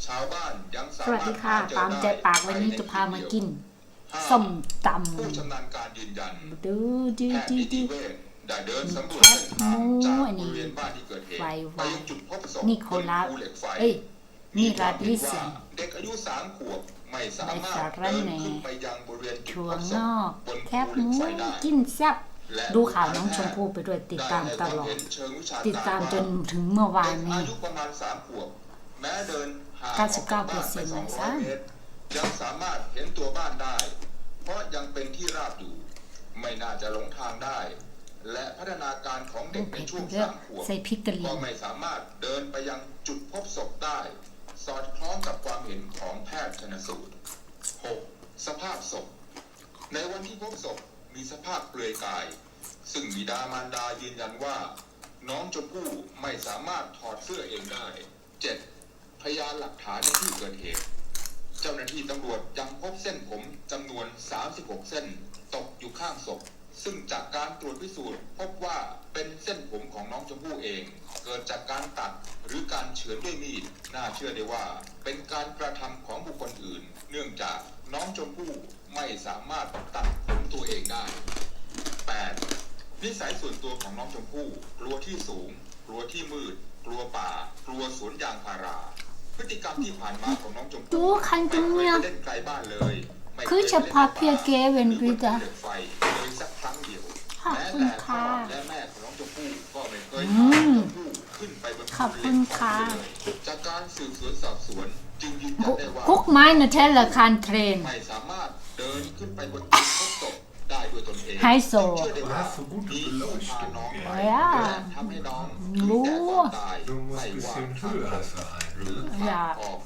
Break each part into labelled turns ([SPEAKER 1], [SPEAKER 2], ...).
[SPEAKER 1] ชาวบ้านยังสา
[SPEAKER 2] สวัส
[SPEAKER 1] มาร
[SPEAKER 2] ดี
[SPEAKER 1] ถ
[SPEAKER 2] ค่ะ
[SPEAKER 1] หาเจอ
[SPEAKER 2] ตามใจ
[SPEAKER 1] ได้
[SPEAKER 2] ปากวันนี้จะพามากินส้มตำ
[SPEAKER 1] ผู้ชำนาญการยืนยัน
[SPEAKER 2] ดูดู
[SPEAKER 1] แพทย์
[SPEAKER 2] ดู
[SPEAKER 1] นิติ
[SPEAKER 2] ดู
[SPEAKER 1] เวชได้เดินสำรวจ
[SPEAKER 2] แคบ
[SPEAKER 1] เส้นทาง
[SPEAKER 2] หมู
[SPEAKER 1] จาก
[SPEAKER 2] อัน
[SPEAKER 1] บ
[SPEAKER 2] นี้
[SPEAKER 1] ริเวณบ้านที่เกิดเหตุ
[SPEAKER 2] ไว
[SPEAKER 1] ไปยังจุดพบศพ
[SPEAKER 2] นี่
[SPEAKER 1] บ
[SPEAKER 2] เขา
[SPEAKER 1] น
[SPEAKER 2] รับ
[SPEAKER 1] ภูเหล็กไฟ
[SPEAKER 2] เอ้ย
[SPEAKER 1] มี
[SPEAKER 2] นี่
[SPEAKER 1] ค
[SPEAKER 2] รั
[SPEAKER 1] วาม
[SPEAKER 2] ด
[SPEAKER 1] เห็
[SPEAKER 2] วิ
[SPEAKER 1] น
[SPEAKER 2] เศ
[SPEAKER 1] ว่า
[SPEAKER 2] ษ
[SPEAKER 1] เด็กอายุ3 ขวบไม่สามารถ
[SPEAKER 2] ในสาระ
[SPEAKER 1] เดิน
[SPEAKER 2] แหน่
[SPEAKER 1] ขึ้นไปยังบริเวณจุด
[SPEAKER 2] ถั่ว
[SPEAKER 1] พบศ
[SPEAKER 2] ง
[SPEAKER 1] พ
[SPEAKER 2] อก
[SPEAKER 1] บน
[SPEAKER 2] แค
[SPEAKER 1] ภู
[SPEAKER 2] บ
[SPEAKER 1] เห
[SPEAKER 2] ห
[SPEAKER 1] ล็ก
[SPEAKER 2] มู
[SPEAKER 1] ไฟได้
[SPEAKER 2] กินแซ่บ
[SPEAKER 1] และ
[SPEAKER 2] ดูข่าวน้องชมพู่ไปด้วยติดตามตลอด ติดตามจนถึงเมื่อวาน
[SPEAKER 1] เด็ก
[SPEAKER 2] นี้
[SPEAKER 1] อายุประมาณ3 ขวบแม้เดินห่างออกจาก
[SPEAKER 2] 99%
[SPEAKER 1] บ้านไป
[SPEAKER 2] เลย
[SPEAKER 1] 200
[SPEAKER 2] ซ้ำ
[SPEAKER 1] เมตรยังสามารถเห็นตัวบ้านได้ เพราะยังเป็นที่ราบอยู่ไม่น่าจะหลงทางได้ และพัฒนาการของเด็กใน
[SPEAKER 2] เผ็ด
[SPEAKER 1] ช่วง
[SPEAKER 2] เยอะ
[SPEAKER 1] 3 ขวบ
[SPEAKER 2] ใส่พริกกะเหรี่
[SPEAKER 1] ก็
[SPEAKER 2] ยง
[SPEAKER 1] ไม่สามารถเดินไปยังจุดพบศพได้ สอดคล้องกับความเห็นของแพทย์ชันสูตร 6. สภาพศพในวันที่พบศพมีสภาพเปลือยกาย ซึ่งบิดามารดายืนยันว่า น้องชมพู่ไม่สามารถถอดเสื้อเองได้ 7. พยานหลักฐานในที่เกิดเหตุ เจ้าหน้าที่ตำรวจยังพบเส้นผมจำนวน 36 เส้นตกอยู่ข้างศพ ซึ่งจากการตรวจพิสูจน์พบว่าเป็นเส้นผมของน้องชมพู่เอง เกิดจากการตัดหรือการเฉือนด้วยมีด น่าเชื่อได้ว่าเป็นการกระทำของบุคคลอื่น เนื่องจากน้องชมพู่ไม่สามารถตัดผมตัวเองได้ 8. นิสัยส่วนตัวของน้องชมพู่กลัวที่สูง กลัวที่มืด กลัวป่า กลัวสวนยางพารา พฤติกรรมที่ผ่านมาของน้องชม
[SPEAKER 2] ดู
[SPEAKER 1] พู่
[SPEAKER 2] คันจุง
[SPEAKER 1] ไม่
[SPEAKER 2] เนี่ย
[SPEAKER 1] เคยเล่นไกลบ้านเลยไม่เคย
[SPEAKER 2] คือเฉพาะเพียงเกเวนวิดา
[SPEAKER 1] หรือว่าภูเหล็กไฟเลยสักครั้งเดียว
[SPEAKER 2] ขอบ
[SPEAKER 1] แม้
[SPEAKER 2] คุณ
[SPEAKER 1] แต่พ่อ
[SPEAKER 2] ค่ะ
[SPEAKER 1] และแม่ของน้องชมพู่ก็ไม่เคย
[SPEAKER 2] อื
[SPEAKER 1] พาน้อง
[SPEAKER 2] ม
[SPEAKER 1] ชมพู่ขึ้นไปบน
[SPEAKER 2] ขอบ
[SPEAKER 1] ภู
[SPEAKER 2] คุ
[SPEAKER 1] เหล็
[SPEAKER 2] ณ
[SPEAKER 1] กไฟ
[SPEAKER 2] ค่ะ
[SPEAKER 1] เลยจากการสืบสวนสอบสวนจึงยืนยันได้ว่า
[SPEAKER 2] กุ๊กไม้นะเทละคานเทรน
[SPEAKER 1] ไม่สามารถเดินขึ้นไปบนจุดพบศพได้ด้วยตนเอง
[SPEAKER 2] ไฮโซ
[SPEAKER 1] เชื่อได้ว่ามีผู้พาน้องไป
[SPEAKER 2] Ja.
[SPEAKER 1] และทำให้น้องถึงแก่ความตาย
[SPEAKER 3] Du
[SPEAKER 1] ไม่
[SPEAKER 3] måste
[SPEAKER 1] ว่า
[SPEAKER 3] se
[SPEAKER 1] ทางตรง
[SPEAKER 3] höra så här.
[SPEAKER 1] หรือทาง
[SPEAKER 2] Ja.
[SPEAKER 1] ออก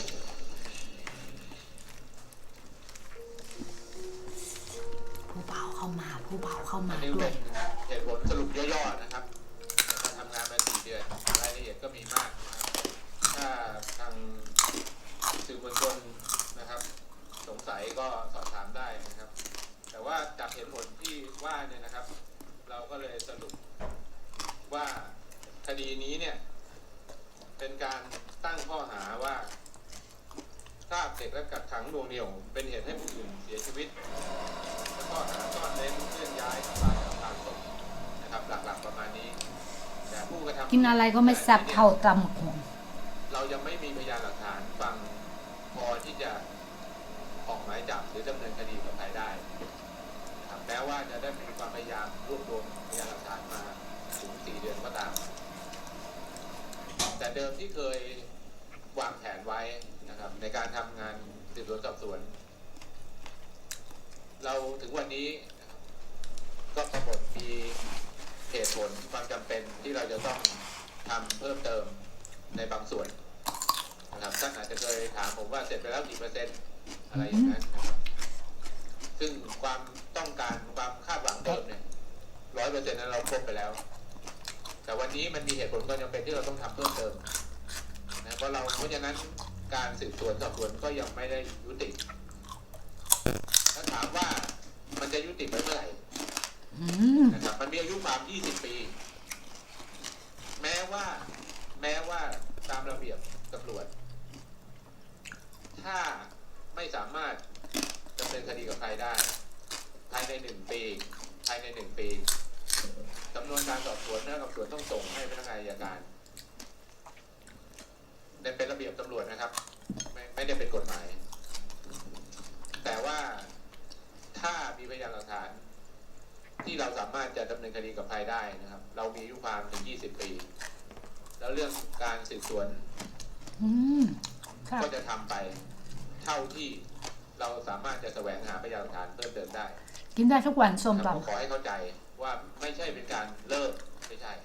[SPEAKER 2] ผู้เบาเข้ามาผู้เบาเข้ามา
[SPEAKER 4] อันนี้
[SPEAKER 2] ด้ว
[SPEAKER 4] เป็
[SPEAKER 2] ย
[SPEAKER 4] นเหตุผลสรุปย่อๆนะครับการทำงานมา4 เดือนรายละเอียดก็มีมากนะครับถ้าทางสื่อมวลชนนะครับ สงสัยก็สอบถามได้นะครับ แต่ว่าจากเหตุผลที่ว่าเนี่ยนะครับ เราก็เลยสรุปว่าคดีนี้เนี่ยเป็นการตั้งข้อหาว่าพรากเด็กและกักขังหน่วงเหนี่ยวเป็นเหตุให้ผู้อื่นเสียชีวิต และข้อหาซ่อนเร้นเคลื่อนย้ายทำลายอำพรางศพนะครับหลักๆประมาณนี้ แต่ผู้กระทำ
[SPEAKER 2] กินอะไรก็ไม่แซ่บเท่าตำหง
[SPEAKER 4] เรายังไม่มีพยานหลักฐานฟังพอที่จะออกหมายจับหรือดำเนินคดีกับใครได้นะครับแม้ว่าจะได้มีความพยายามรวบรวมพยานหลักฐานมาถึง4 เดือนก็ตาม แต่เดิมที่เคยวางแผนไว้นะครับในการทำงานสืบสวนสอบสวน เราถึงวันนี้นะครับก็ปรากฏมีเหตุผลความจำเป็นที่เราจะต้องทำเพิ่มเติมในบางส่วนนะครับท่านอาจจะเคยถามผมว่าเสร็จไปแล้วกี่เปอร์เซ็นต์อะไรอย่างนั้นนะครับซึ่งความต้องการความคาดหวังเดิมเนี่ย100%นั้นเราครบไปแล้ว แต่วันนี้มันมีเหตุผลความจำเป็นที่เราต้องทำเพิ่มเติมนะเพราะฉะนั้นการสืบสวนสอบสวนก็ยังไม่ได้ยุติถ้าถามว่ามันจะยุติไปเมื่อไหร่
[SPEAKER 2] อืม
[SPEAKER 4] นะครับมันมีอายุความ20 ปี แม้ว่าตามระเบียบตำรวจ ถ้าไม่สามารถดำเนินคดีกับใครได้ ภายใน1 ปีภายใน1 ปีสำนวนการสอบสวนพนักงานสอบสวนต้องส่งให้พนักงานอัยการเป็นระเบียบตำรวจนะครับ ไม่ได้เป็นกฎหมาย แต่ว่าถ้ามีพยานหลักฐาน ที่เราสามารถจะดำเนินคดีกับใครได้นะครับ เรามีอายุความถึง20 ปี แล้วเรื่องการสืบสวน
[SPEAKER 2] อืมค่ะ
[SPEAKER 4] ก็จะทำไปเท่าที่เราสามารถจะแสวงหาพยานหลักฐานเพิ่มเติมได้
[SPEAKER 2] กินได้ทุกวันส้ม
[SPEAKER 4] ครับผม
[SPEAKER 2] ตำ
[SPEAKER 4] ขอให้เข้าใจว่าไม่ใช่เป็นการเลิกไม่ใช่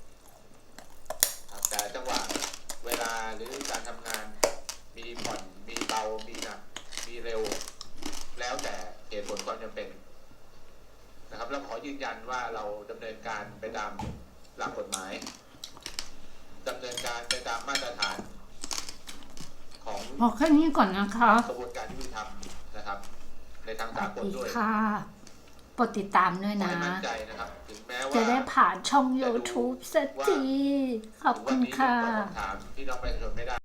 [SPEAKER 4] ครับแต่จังหวะเวลาหรือการทำงานมีผ่อนมีเบามีหนักมีเร็ว แล้วแต่เหตุผลความจำเป็นนะครับแล้วขอยืนยันว่าเราดำเนินการไปตามหลักกฎหมายดำเนินการไปตามมาตรฐานของ
[SPEAKER 2] บอกแค่นี้ก่อนนะคะ
[SPEAKER 4] กระบวนการยุติธรรมนะครับ ในทาง
[SPEAKER 2] ส
[SPEAKER 4] สา
[SPEAKER 2] วัส
[SPEAKER 4] กล
[SPEAKER 2] ดี
[SPEAKER 4] ด้วย
[SPEAKER 2] ค่ะโปรดติดตามด้วย
[SPEAKER 4] ขอ
[SPEAKER 2] นะ
[SPEAKER 4] ให้มั่นใจนะครับถึงแม้ว่า
[SPEAKER 2] จะได้ผ่านช่อง YouTube สักที ขอบ
[SPEAKER 4] ถึง
[SPEAKER 2] คุ
[SPEAKER 4] วัน
[SPEAKER 2] ณ
[SPEAKER 4] นี้
[SPEAKER 2] ค่ะ
[SPEAKER 4] ตอบคำถามพี่น้องประชาชนไม่ได้